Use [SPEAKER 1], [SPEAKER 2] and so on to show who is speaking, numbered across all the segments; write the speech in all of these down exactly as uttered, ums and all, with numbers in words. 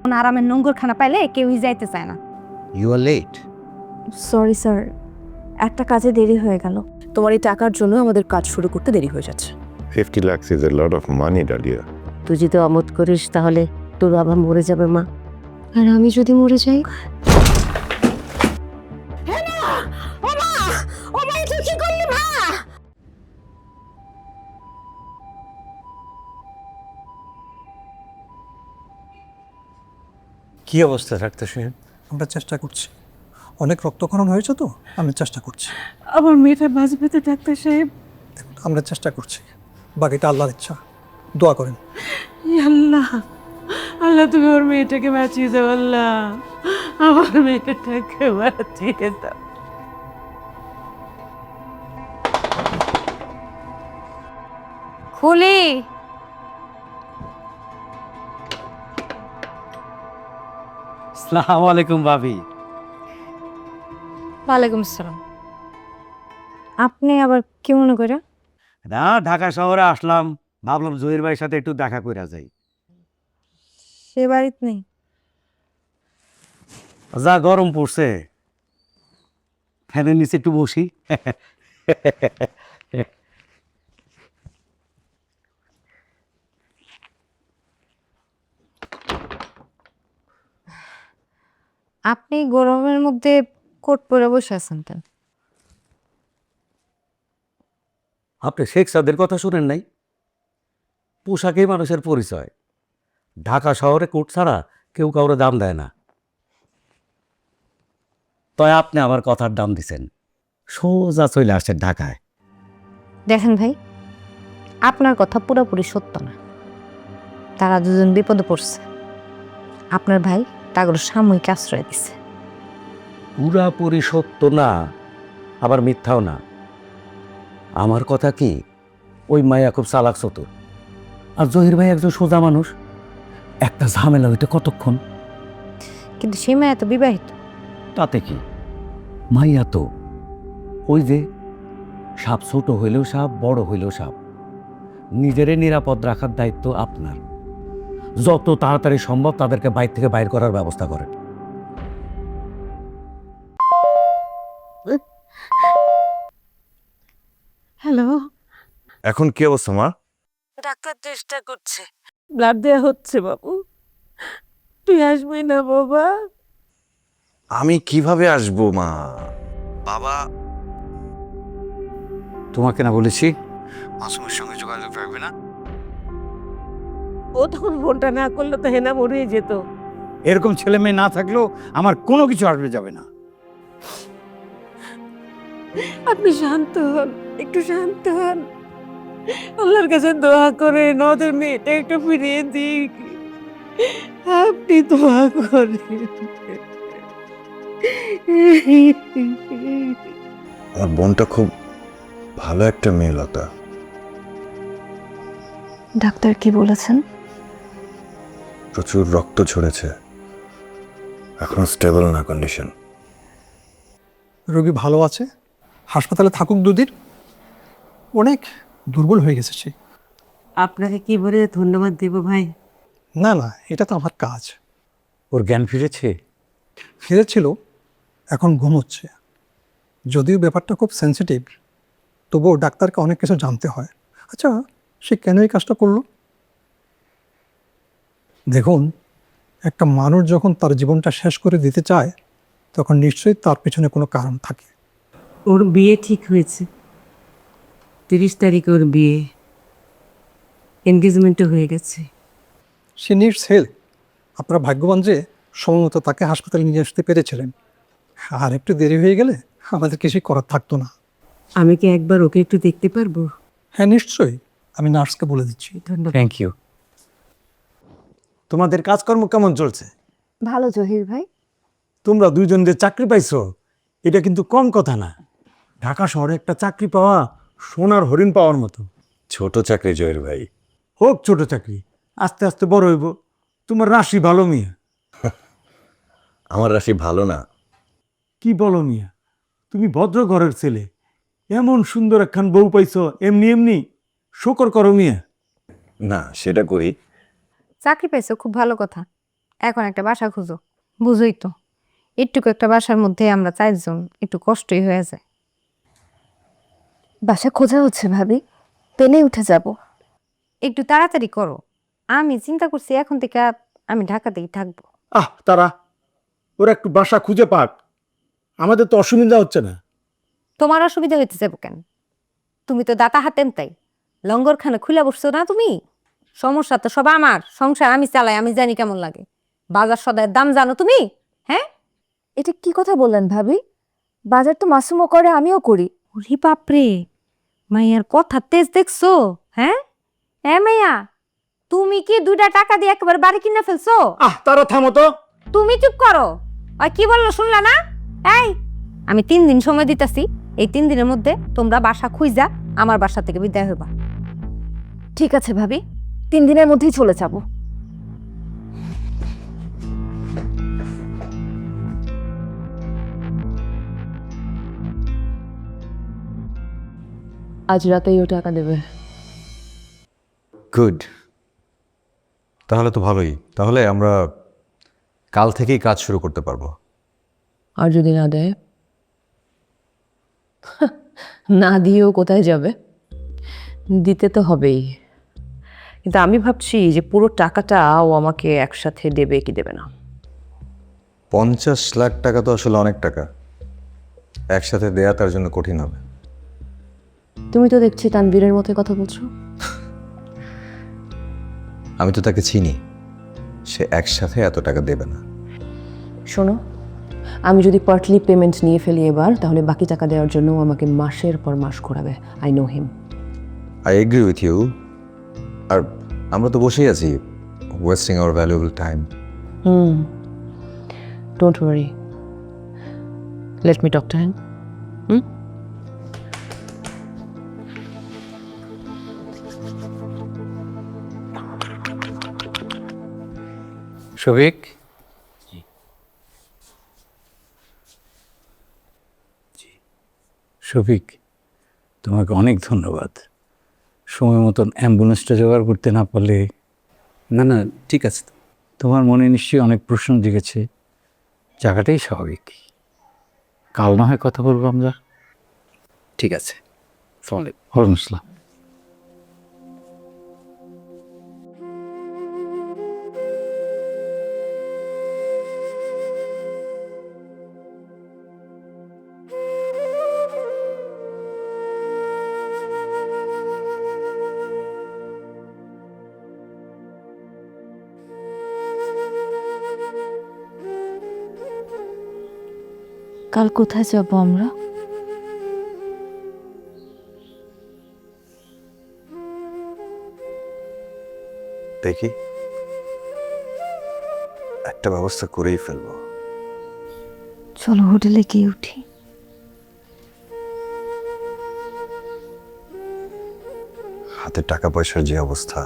[SPEAKER 1] এমন আরামের নোংরখানা পাইলে কেউই যাইতে চায় না।
[SPEAKER 2] You are late.
[SPEAKER 3] Sorry sir, একটা কাজে দেরি হয়ে গেল।
[SPEAKER 4] তোমার এই টাকার জন্য আমাদের কাজ শুরু করতে দেরি হয়ে যাচ্ছে।
[SPEAKER 5] fifty lakhs is a lot of money, Dalia.
[SPEAKER 6] তুই যদি অমত করিস তাহলে তোর বাবা মরে যাবে মা।
[SPEAKER 3] আর আমি যদি মরে যাই?
[SPEAKER 2] কি অবস্থা ডাক্তার সাহেব?
[SPEAKER 7] আমরা চেষ্টা করছি, অনেক রক্তক্ষরণ হয়েছে তো আমি চেষ্টা করছি।
[SPEAKER 8] আমার মেয়েটা বাঁচবে তো ডাক্তার সাহেব?
[SPEAKER 7] দেখুন, আমরা চেষ্টা করছি, বাকিটা আল্লাহর ইচ্ছা। দোয়া করেন।
[SPEAKER 8] ইয়া আল্লাহ, আল্লাহ তুমি ওর মেয়েটাকে বাঁচিয়ে দাও। আল্লাহ আমার মেয়েটাকে বাঁচিয়ে দাও।
[SPEAKER 1] খুলি
[SPEAKER 2] আসসালামু আলাইকুম ভাবি।
[SPEAKER 1] ওয়ালাইকুম আসসালাম। আপনি আবার কি মনে করে?
[SPEAKER 2] না, ঢাকা শহরে আসলাম, ভাবলাম জহির ভাইয়ের সাথে একটু দেখা করে যাই।
[SPEAKER 1] সে বাড়িতে নেই।
[SPEAKER 2] যা গরম পড়ছে, ফ্যানের নিচে একটু বসি।
[SPEAKER 1] আপনি গরমের মধ্যে কোট পরে বসে আছেন কেন?
[SPEAKER 2] আপনি শেখ সাদের কথা শুনেন নাই? পোশাকেই মানুষের পরিচয়। ঢাকা শহরে কোট ছাড়া কেউ কাউরে দাম দেয় না। তাই আপনি আমার কথার দাম দিছেন, সোজা চলে আসছেন ঢাকায়।
[SPEAKER 1] দেখেন ভাই, আপনার কথা পুরোপুরি সত্য না। তারা দুজন বিপদে পড়ছে। আপনার ভাই তাগর সাময়িক আশ্রয় দিছে।
[SPEAKER 2] পুরাপুরি সত্য না, আবার মিথ্যাও না। আমার কথা কি, ওই মায়া খুব চালাক চতুর, আর জহির ভাই একজন সোজা মানুষ। একটা ঝামেলা হইতে কতক্ষণ?
[SPEAKER 1] কিন্তু সে মেয়ে তো বিবাহিত।
[SPEAKER 2] তাতে কি, মাইয়া তো ওই যে সাপ, ছোট হইলেও সাপ, বড় হইলেও সাপ। নিজেরে নিরাপদ রাখার দায়িত্ব আপনার। যত তাড়াতাড়ি সম্ভব তাদেরকে বাইর থেকে বাইর করার ব্যবস্থা করেন।
[SPEAKER 8] হ্যালো,
[SPEAKER 5] এখন কি অবস্থা মা?
[SPEAKER 8] ডাক্তার চেষ্টা করছে, ব্লাড দেওয়া হচ্ছে। বাবু তুই আসবি না বাবা?
[SPEAKER 5] আমি কিভাবে আসবো মা? বাবা,
[SPEAKER 2] তোমাকে না বলেছি
[SPEAKER 5] মাসুমের সঙ্গে যোগাযোগ রাখবে না?
[SPEAKER 8] ও তখন ফোনটা না করলে তো হেনা মরেই যেত।
[SPEAKER 9] এরকম ছেলে মেয়ে না থাকলেও আমার কোনো কিছু আসবে যাবে না।
[SPEAKER 8] আপনি শান্ত হন, একটু শান্ত হন। আল্লাহর কাছে দোয়া করে ওদের মেয়েটা একটু ফিরিয়ে দিক। আপনি দোয়া করেন।
[SPEAKER 5] আমার বোনটা খুব ভালো একটা মেয়ে লতা।
[SPEAKER 3] ডাক্তার কি বলেছেন?
[SPEAKER 5] প্রচুর রক্ত ঝরেছে, এখন স্টেবল না কন্ডিশন।
[SPEAKER 7] রোগী ভালো আছে, হাসপাতালে থাকুক দুদিন। অনেক দুর্বল হয়ে গেছে সে।
[SPEAKER 8] আপনাকে কি বলে ধন্যবাদ দেব ভাই?
[SPEAKER 7] না না, এটা তো আমার কাজ।
[SPEAKER 2] ওর জ্ঞান ফিরেছে?
[SPEAKER 7] ফিরেছিল, এখন ঘুমোচ্ছে। যদিও ব্যাপারটা খুব সেন্সিটিভ, তবুও ডাক্তারকে অনেক কিছু জানতে হয়। আচ্ছা, সে কেন এই কাজটা করলো? দেখুন, একটা মানুষ যখন তার জীবনটা শেষ করে দিতে চায়, তখন নিশ্চয়ই তার পেছনে কোনো কারণ থাকে।
[SPEAKER 8] ওর বিয়ে ঠিক হয়েছে, তিরিশ তারিখে ওর বিয়ে, এনগেজমেন্টও হয়ে গেছে।
[SPEAKER 7] সে নিডস হেল্প। আপনারা ভাগ্যবান যে সময়মতো তাকে হাসপাতালে নিয়ে আসতে পেরেছিলেন। আর একটু দেরি হয়ে গেলে আমাদের কিছুই করার থাকতো না।
[SPEAKER 8] আমি কি একবার ওকে একটু দেখতে পারবো?
[SPEAKER 7] হ্যাঁ নিশ্চয়ই, আমি নার্সকে বলে দিচ্ছি।
[SPEAKER 8] ধন্যবাদ।
[SPEAKER 2] Thank you. তোমাদের কাজকর্ম কেমন চলছে?
[SPEAKER 3] ভালো জহির ভাই।
[SPEAKER 2] তোমরা দুইজন যে চাকরি পাইছো, এটা কিন্তু কম কথা না। ঢাকা শহরে একটা চাকরি পাওয়া সোনার হরিণ পাওয়ার মতো।
[SPEAKER 5] ছোট চাকরি জয়ের ভাই।
[SPEAKER 2] হোক ছোট চাকরি, আস্তে আস্তে বড় হইব। তোমার রাশি ভালো মিয়া।
[SPEAKER 5] আমার রাশি ভালো না।
[SPEAKER 2] কি বলো মিয়া, তুমি ভদ্র ঘরের ছেলে, এমন সুন্দর একখান বউ পাইছো, এমনি এমনি শোকর করো মিয়া।
[SPEAKER 5] না, সেটা কই।
[SPEAKER 1] চাকরি পাইছো, খুব ভালো কথা। এখন একটা বাসা খুঁজো, বুঝোই তো একটুকু একটা বাসার মধ্যে আমরা চারজন একটু কষ্টই হয়ে যায়।
[SPEAKER 3] বাসা খোঁজা হচ্ছে ভাবি, পেনে উঠে যাব।
[SPEAKER 1] একটু তাড়াতাড়ি করো, আমি চিন্তা করছি এখন থেকে আমি ঢাকাতেই থাকবো।
[SPEAKER 9] আহ তারা ওরা একটু বাসা খুঁজে পাক, আমাদের তো অসুবিধা হচ্ছে না।
[SPEAKER 1] তোমার অসুবিধা হইতে যাবো কেন? তুমি তো দাতা হাতেম তাই লঙ্গরখানে খুলে বসছো না তুমি? সমস্যা তো সব আমার, সংসার আমি চালাই, আমি জানি কেমন লাগে। বাজার সদায়ের দাম জানো তুমি? হ্যাঁ,
[SPEAKER 3] এটা কি কথা বললেন ভাবি? বাজার তো মাসুমও করে, আমিও করি।
[SPEAKER 1] ওরে বাপরে, মাইয়ার কথা তেজ দেখছো? হ্যাঁ এ মাইয়া, তুমি কি দুইটা টাকা দিয়ে একেবারে বাড়ি কিনে ফেলছো?
[SPEAKER 9] আহ তারা থামো তো।
[SPEAKER 1] তুমি চুপ করো। আর কি বললো শুনলা না? এই, আমি তিন দিন সময় দিতেছি, এই তিন দিনের মধ্যে তোমরা বাসা খুঁজা আমার বাসা থেকে বিদায় হইবা।
[SPEAKER 3] ঠিক আছে ভাবি, তিন দিনের মধ্যেই চলে যাব।
[SPEAKER 4] আজ রাতেই ও টাকা দেবে।
[SPEAKER 5] গুড, তাহলে তো ভালোই। তাহলে আমরা কাল থেকেই কাজ শুরু করতে পারবো।
[SPEAKER 4] আর যদি না দেয়? না দিয়েও কোথায় যাবে? দিতে তো হবেই। কিন্তু আমি ভাবছি যে পুরো টাকাটা ও আমাকে একসাথে দেবে কি দেবে না।
[SPEAKER 5] পঞ্চাশ লাখ টাকা তো আসলে অনেক টাকা, একসাথে দেয়া তার জন্য কঠিন হবে।
[SPEAKER 4] তুমি তো দেখছি তানবীরের মতো কথা বলছো।
[SPEAKER 5] আমি তো তাকে চিনি, সে একসাথে এত টাকা দেবে না।
[SPEAKER 4] শোনো, আমি যদি পার্টলি পেমেন্ট নিয়ে ফেলি এবার, তাহলে বাকি টাকা দেওয়ার জন্য ও আমাকে মাসের পর মাস ঘোরাবে। I know him.
[SPEAKER 5] I agree with you. আর আমরা তো বসেই আছি, wasting our valuable time.
[SPEAKER 4] Hmm, don't worry, let me talk to him. Hmm,
[SPEAKER 9] Shafiq, Shafiq তোমাকে অনেক ধন্যবাদ। সময় মতন অ্যাম্বুলেন্সটা জোগাড় করতে না পারলে।
[SPEAKER 2] না না ঠিক আছে।
[SPEAKER 9] তোমার মনে নিশ্চয়ই অনেক প্রশ্ন জেগেছে, জায়গাটাই স্বাভাবিক। কাল না হয় কথা বলবো আমরা।
[SPEAKER 2] ঠিক আছে, ফলে
[SPEAKER 9] ওয়ালাইকুম আসসালাম।
[SPEAKER 3] কাল কোথায় যাব আমরা?
[SPEAKER 5] দেখি, একটা ব্যবস্থা করেই ফেলবো।
[SPEAKER 3] চলো হোটেলে গিয়ে উঠি।
[SPEAKER 5] হাতে টাকা পয়সার যে অবস্থা,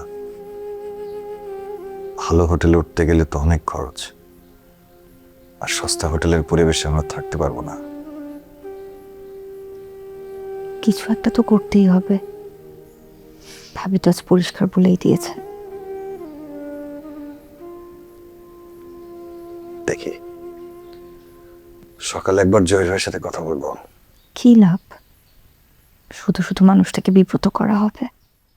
[SPEAKER 5] ভালো হোটেলে উঠতে গেলে তো অনেক খরচ, আর সস্তা হোটেলের পরিবেশে আমরা থাকতে পারবো না।
[SPEAKER 3] কিছু একটা তো করতেই হবে। ভাবি তো আজ পরিষ্কার বলেই দিয়েছে।
[SPEAKER 5] দেখি, সকালে একবার জয়ের ভাইয়ের সাথে কথা বলবো।
[SPEAKER 3] কি লাভ? শুধু শুধু মানুষটাকে বিব্রত করা হবে।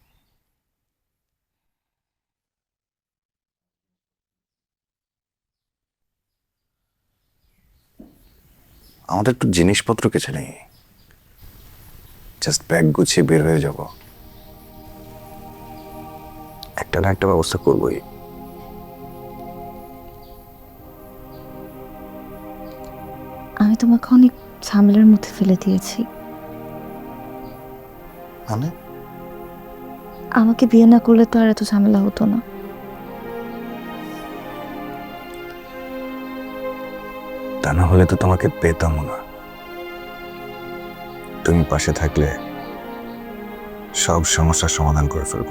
[SPEAKER 5] আমাদের একটু জিনিসপত্র কিছু নেই, জাস্ট ব্যাগ গুছিয়ে বের হয়ে যাব। একটা না একটা ব্যবস্থা করবোই।
[SPEAKER 3] আমি তোমাকে অনেক ঝামেলার মধ্যে ফেলে দিয়েছি।
[SPEAKER 5] মানে
[SPEAKER 3] আমাকে বিয়ে না করলে তো আর এত ঝামেলা হতো না।
[SPEAKER 5] তা না হলে তো তোমাকে পেতামও না। তুমি পাশে থাকলে সব সমস্যার সমাধান করে ফেলবো।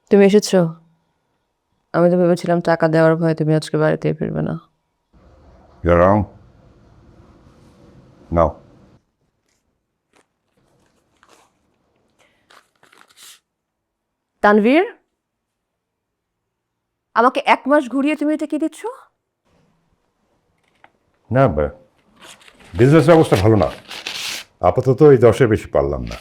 [SPEAKER 4] তুমি এসেছো? আমি তো ভেবেছিলাম টাকা দেওয়ার ভয়ে তুমি আজকে বাড়িতে ফিরবে না।
[SPEAKER 10] You're wrong. No.
[SPEAKER 4] তানভীর, আমাকে এক মাস ঘুরিয়ে তুমি এটা কি দিচ্ছ?
[SPEAKER 10] না, বিজনেস অবস্থা ভালো না, আপাতত এই দশের বেশি পারলাম না।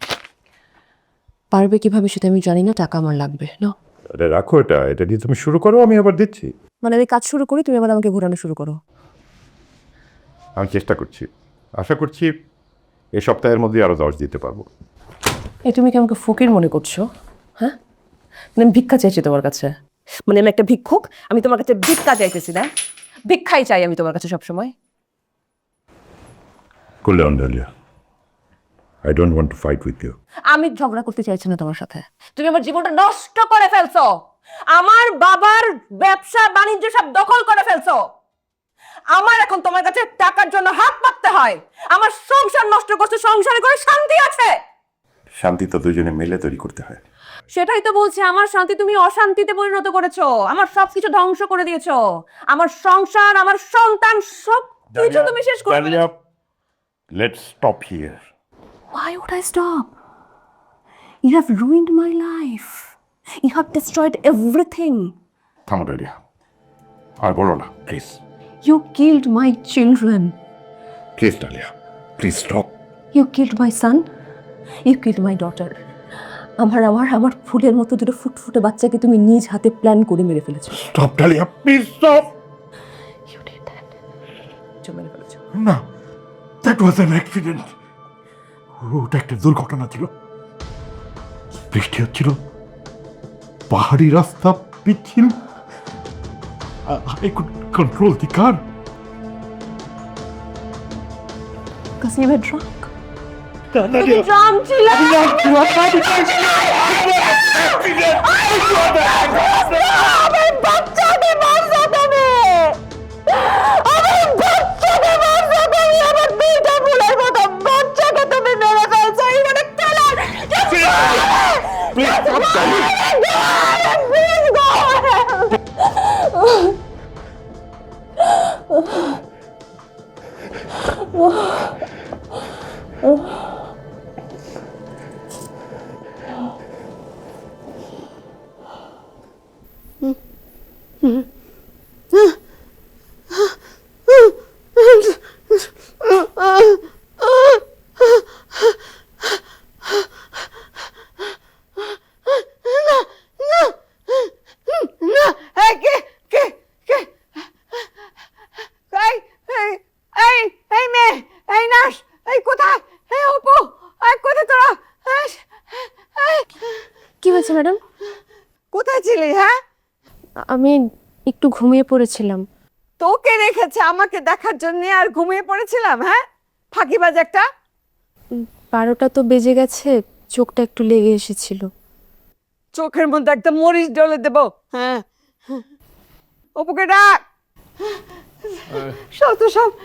[SPEAKER 4] পারবে কিভাবে সেটা আমি জানি না, টাকা আমার লাগবে না।
[SPEAKER 10] আরে রাখো এটা, এটা দিয়ে তুমি শুরু করো, আমি আবার দিচ্ছি।
[SPEAKER 4] মানে আমি কাজ শুরু করি, তুমি আবার আমাকে ঘোরানো শুরু করো।
[SPEAKER 10] আমি চেষ্টা করছি, আশা করছি এই সপ্তাহের মধ্যে আরো দশ দিতে পারবো।
[SPEAKER 4] এই তুমি কি আমাকে ফকির মনে করছো? হ্যাঁ, মানে আমি ভিক্ষা চাইছি তোমার কাছে? মানে আমি একটা ভিক্ষুক, আমি তোমার কাছে ভিক্ষা চাইতেছি না? ভিক্ষাই চাই আমি তোমার কাছে সবসময়।
[SPEAKER 10] Cool down, Dahlia. I don't want to fight with you.
[SPEAKER 4] আমি ঝগড়া করতে চাইছি না তোমার সাথে। তুমি আমার জীবনটা নষ্ট করে ফেলছো, আমার বাবার ব্যবসা বাণিজ্য সব দখল করে ফেলছো। আমার এখন তোমার কাছে টাকার জন্য হাত পাততে হয়। আমার সংসার নষ্ট করছো, সংসারে করে শান্তি আছে?
[SPEAKER 10] শান্তি তো দুজনে মিলে তৈরি করতে হয়।
[SPEAKER 4] সেটাই তো বলছি, আমার শান্তি তুমি অশান্তিতে পরিণত করেছো, আমার সবকিছু ধ্বংস করে দিয়েছো, আমার সংসার, আমার সন্তান, সব কিছু তুমি শেষ করে ফেলেছো।
[SPEAKER 10] Dahlia, let's stop here.
[SPEAKER 4] Why would I stop? You have ruined my life. You have destroyed everything.
[SPEAKER 10] থামো ডালিয়া, আর বলো না please.
[SPEAKER 4] You killed my children.
[SPEAKER 10] Please Dalia, please stop.
[SPEAKER 4] You killed my son. You killed my daughter. আমার আমার আমার ফুলের মতো দুটো ফুটফুটে বাচ্চাকে তুমি নিজ হাতে প্ল্যান করে মেরে ফেলেছো।
[SPEAKER 10] Stop Dalia, please stop.
[SPEAKER 4] You did that. তুমি মেরে ফেলেছো।
[SPEAKER 10] না, দ্যাট ওয়াজ অ্যান অ্যাক্সিডেন্ট। ওটা একটা দুর্ঘটনা ছিল। বৃষ্টি হচ্ছিল, পাহাড়ি রাস্তা পিচ্ছিল, I could control the car.
[SPEAKER 4] Because you were drunk. তুমি drunk ছিলে। আমার বাচ্চাকে মারছো তুমি। আমার বাচ্চাকে মারছো তুমি, আমার দুইটা ফুলের মতো বাচ্চাকে তুমি মেরে ফেলছো। এই মানে তেলার।
[SPEAKER 3] কি হয়েছে ম্যাডাম?
[SPEAKER 8] কোথায় ছিলি? হ্যাঁ,
[SPEAKER 3] আমি একটু ঘুমিয়ে পড়েছিলাম।
[SPEAKER 8] তোকে রেখেছে আমাকে দেখার জন্য আর ঘুমিয়ে পড়েছিলাম? হ্যাঁ, ফাঁকিবাজ একটা।
[SPEAKER 3] বারোটা তো বেজে গেছে, চোখটা একটু লেগে এসেছিল।
[SPEAKER 8] চোখের মধ্যে একটা মরিচ ডলে দেবো। হ্যাঁ, অপুকে ডাক। সব তো সব।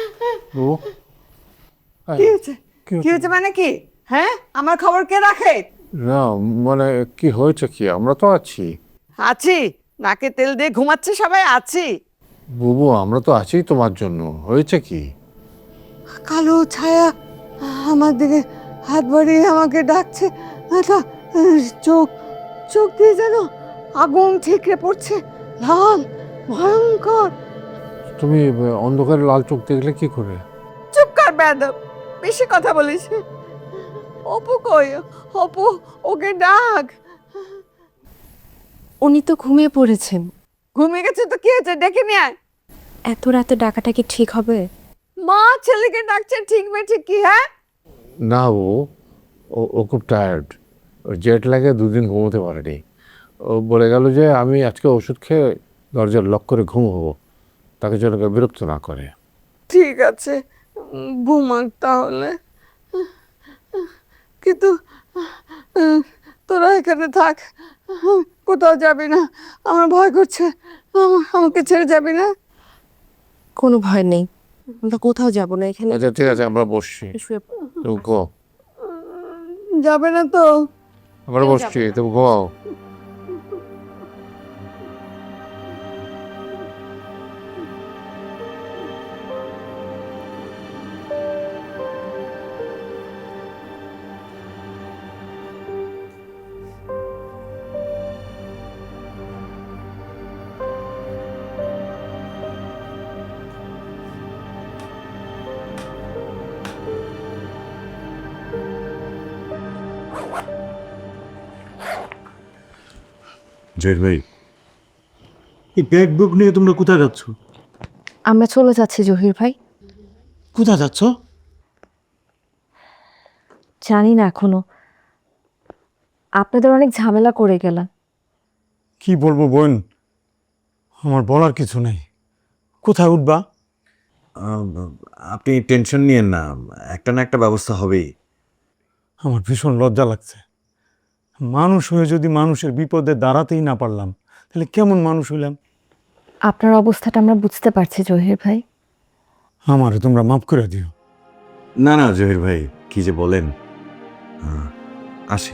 [SPEAKER 8] কি হয়েছে? কি হয়েছে মানে কি? হ্যাঁ, আমার খবর কে রাখে?
[SPEAKER 9] না মানে কি হয়েছে কি, আমরা তো আছি।
[SPEAKER 8] আছি, নাকে তেল দিয়ে ঘুমাচ্ছে সবাই, আছি।
[SPEAKER 9] বুবু আমরা তো আছি তোমার জন্য। হয়েছে কি?
[SPEAKER 8] কালো ছায়া আমার দিকে হাত বাড়িয়ে আমাকে ডাকছে। একটা চোখ চোখ দিয়ে যেন আগুন ঠিকরে পড়ছে, লাল, ভয়ঙ্কর।
[SPEAKER 9] তুমি অন্ধকারে লাল চোখ দেখলে কি করে?
[SPEAKER 8] চুপ কর বেয়াদব, বেশি কথা বলিস। অপু কই? অপু, ওকে ডাক।
[SPEAKER 3] উনি তো ঘুমিয়ে পড়েছেন।
[SPEAKER 8] ঘুমিয়ে গেছে তো কি হয়েছে, ডেকে নিয়ে আয়।
[SPEAKER 3] এত রাতে ডাকাটা কি ঠিক হবে?
[SPEAKER 8] মা ছেলেকে ডাকছে, ঠিক বে ঠিক কি? হ্যাঁ,
[SPEAKER 9] না ও ও- ও খুব টায়ার্ড, জেট লাগে, দুদিন ঘুমোতে পারেনি। ও বলে গেল যে আমি আজকে ওষুধ খেয়ে দরজার লক করে ঘুমোবো, তাকে যেন কেউ বিরক্ত না করে।
[SPEAKER 8] ঠিক আছে, উম, ঘুমাক তাহলে। কিন্তু উম, তোরা এখানে থাক, কোথাও যাবি না। আমার ভয় করছে, আমা- আমাকে ছেড়ে যাবি না।
[SPEAKER 3] কোনো ভয় নেই, আমরা কোথাও যাব না, এখানে
[SPEAKER 9] আচ্ছা ঠিক আছে, আমরা বসছি,
[SPEAKER 3] শুয়ে পড়ো।
[SPEAKER 9] তুমি ঘুমাও।
[SPEAKER 8] যাবে না তো?
[SPEAKER 9] আমরা বসছি, তুমি ঘুমাও।
[SPEAKER 11] জয়ের ভাই, এই ব্যাগ বুক নিয়ে তোমরা কোথায় যাচ্ছ?
[SPEAKER 3] আমরা চলে যাচ্ছি জহির ভাই।
[SPEAKER 11] কোথায় যাচ্ছ?
[SPEAKER 3] জানি না এখনো, আপনাদের অনেক ঝামেলা করে গেলাম।
[SPEAKER 11] কি বলবো বোন, আমার বলার কিছু নেই। কোথায় উঠবা?
[SPEAKER 5] আপনি টেনশন নিয়েন না, একটা না একটা ব্যবস্থা হবেই।
[SPEAKER 11] আমার ভীষণ লজ্জা লাগছে। মানুষ হয়ে যদি মানুষের বিপদে দাঁড়াতেই না পারলাম, তাহলে কেমন মানুষ হইলাম?
[SPEAKER 3] আপনার অবস্থাটা আমরা বুঝতে পারছি জহির ভাই।
[SPEAKER 11] আমারে তোমরা মাফ করে দিও।
[SPEAKER 5] না না জহির ভাই, কি যে বলেন। আহ, আসি।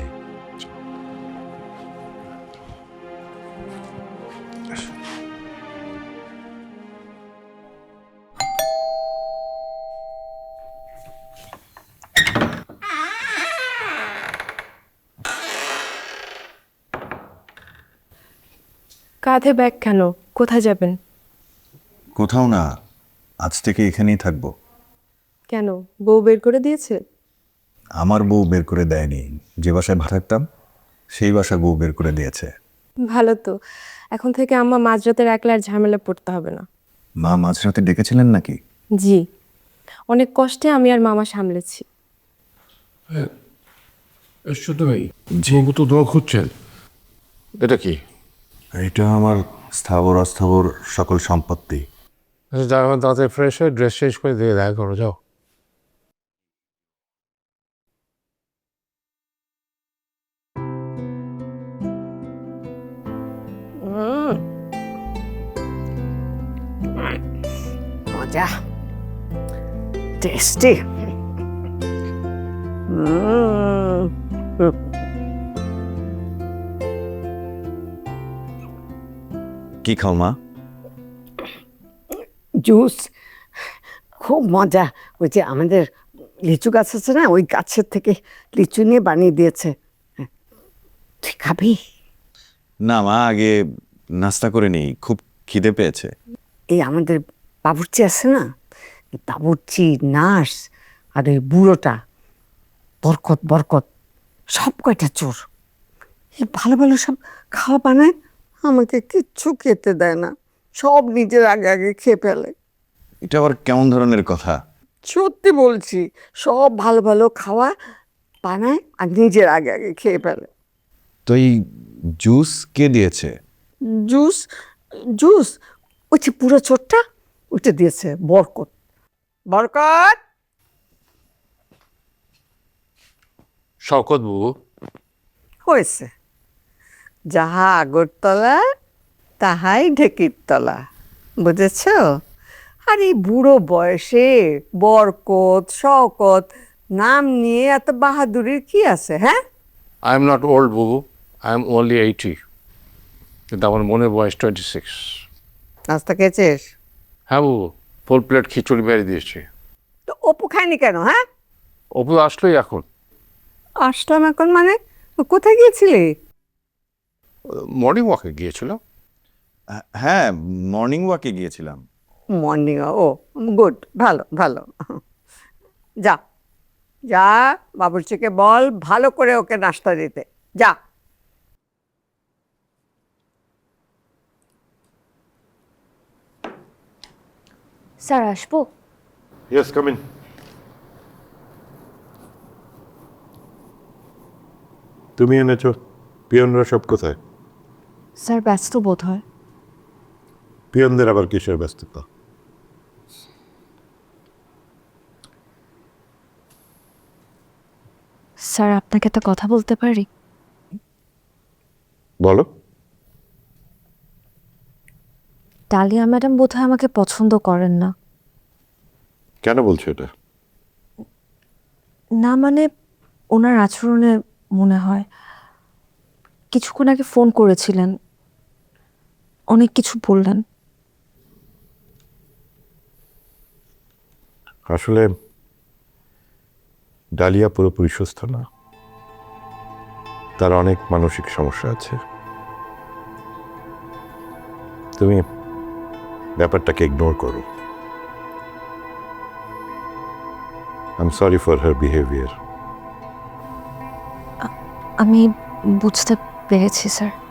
[SPEAKER 8] কাঁধে ব্যাগ কেন? কোথায় যাবেন?
[SPEAKER 5] কোথাও না, আজ থেকে এখানেই থাকবো।
[SPEAKER 8] কেন, বউ বের করে দিয়েছে?
[SPEAKER 5] আমার বউ বের করে দেয়নি, যে বাসায় ভাড়া থাকতাম সেই বাসা বউ বের করে দিয়েছে।
[SPEAKER 8] ভালো তো, এখন থেকে আম্মা মাঝরাতের একলা আর ঝামেলা পড়তে হবে না।
[SPEAKER 5] মা মাঝরাতে ডেকেছিলেন নাকি?
[SPEAKER 8] জি, অনেক কষ্টে আমি আর মামা সামলেছি।
[SPEAKER 9] ছোট ভাই, ঝিঙ্গু তো দোয়া খুঁজছেন, এটা কি?
[SPEAKER 5] এটা আমার স্থাবর অস্থাবর সকল সম্পত্তি।
[SPEAKER 9] আচ্ছা যাও, এখন তাড়াতাড়ি ফ্রেশ হয়ে ড্রেস চেঞ্জ করে দিয়ে দেখা করো, যাও।
[SPEAKER 6] মজা, টেস্টি।
[SPEAKER 5] কি খাও মা?
[SPEAKER 6] জুস, খুব মজা। ওই যে আমাদের লিচু গাছ আছে না, ওই গাছের থেকে লিচু নিয়ে বানিয়ে দিয়েছে। তুই খাবি?
[SPEAKER 5] না মা, আগে নাস্তা করে নিই, খুব খিদে পেয়েছে।
[SPEAKER 6] এই আমাদের বাবুর্চি আছে না, এই বাবুর্চি, নার্স আর ওই বুড়োটা বরকত বরকত সব কয়টা চোর। এই ভালো ভালো সব খাওয়া বানায়, আমাকে কিচ্ছু খেতে দেয় না, সব নিজের আগে আগে খেয়ে ফেলে।
[SPEAKER 5] এটা আবার কেমন ধরনের কথা?
[SPEAKER 6] সত্যি বলছি, সব ভালো ভালো খাওয়া বানায় আর নিজের আগে আগে খেয়ে ফেলে।
[SPEAKER 5] তো এই জুস কে দিয়েছে?
[SPEAKER 6] জুস, জুস ওই যে পুরো চোরটা, ওইটা দিয়েছে বরকত। বরকত,
[SPEAKER 9] শওকত বাবু,
[SPEAKER 6] হয়েছে, যাহা আগরতলা তাহাই ঢেকির তলা, বুঝেছ? আর এই বুড়ো বয়সে বরকত শওকত নাম নিয়ে এত বাহাদুরির কি আছে? হ্যাঁ,
[SPEAKER 9] I am not old babu, I am only eighty, কিন্তু আমার মনে বয়স টোয়েন্টি সিক্স।
[SPEAKER 6] নাস্তা খেয়েছিস?
[SPEAKER 9] হ্যাঁ বাবু, ফুল প্লেট খিচুড়ি বেড়ে দিয়েছি।
[SPEAKER 6] তো অপু খায়নি কেন? হ্যাঁ,
[SPEAKER 9] অপু আসলোই এখন।
[SPEAKER 6] আসলাম এখন মানে? কোথায় গিয়েছিলি?
[SPEAKER 9] মর্নিং ওয়াকে গিয়েছিল।
[SPEAKER 5] হ্যাঁ, মর্নিং ওয়াকে গিয়েছিলাম।
[SPEAKER 6] মর্নিং, ও গুড, ভালো ভালো। যা যা, বাবুর্চিকে বল ভালো করে ওকে নাস্তা দিতে, যা।
[SPEAKER 3] স্যার আসবো?
[SPEAKER 10] Yes, come in. তুমি এনেছো, পিয়নরা সব কোথায়?
[SPEAKER 3] স্যার ব্যস্ত বোধ হয়।
[SPEAKER 10] পিয়নদের আবার কিসের ব্যস্ততা?
[SPEAKER 3] স্যার আপনাকে একটা কথা বলতে পারি?
[SPEAKER 10] বলো।
[SPEAKER 3] ডালিয়া ম্যাডাম বোধহয় আমাকে পছন্দ করেন না।
[SPEAKER 10] কেন বলছো এটা?
[SPEAKER 3] না মানে ওনার আচরণে মনে হয়। কিছুক্ষণ আগে ফোন করেছিলেন, অনেক কিছু বললেন।
[SPEAKER 10] আসলে ডালিয়া পুরোপুরি সুস্থ না, তার অনেক মানসিক সমস্যা আছে। তুমি ব্যাপারটাকে ইগনোর করো। I am sorry for her behaviour.
[SPEAKER 3] আমি বুঝতে পেরেছি স্যার।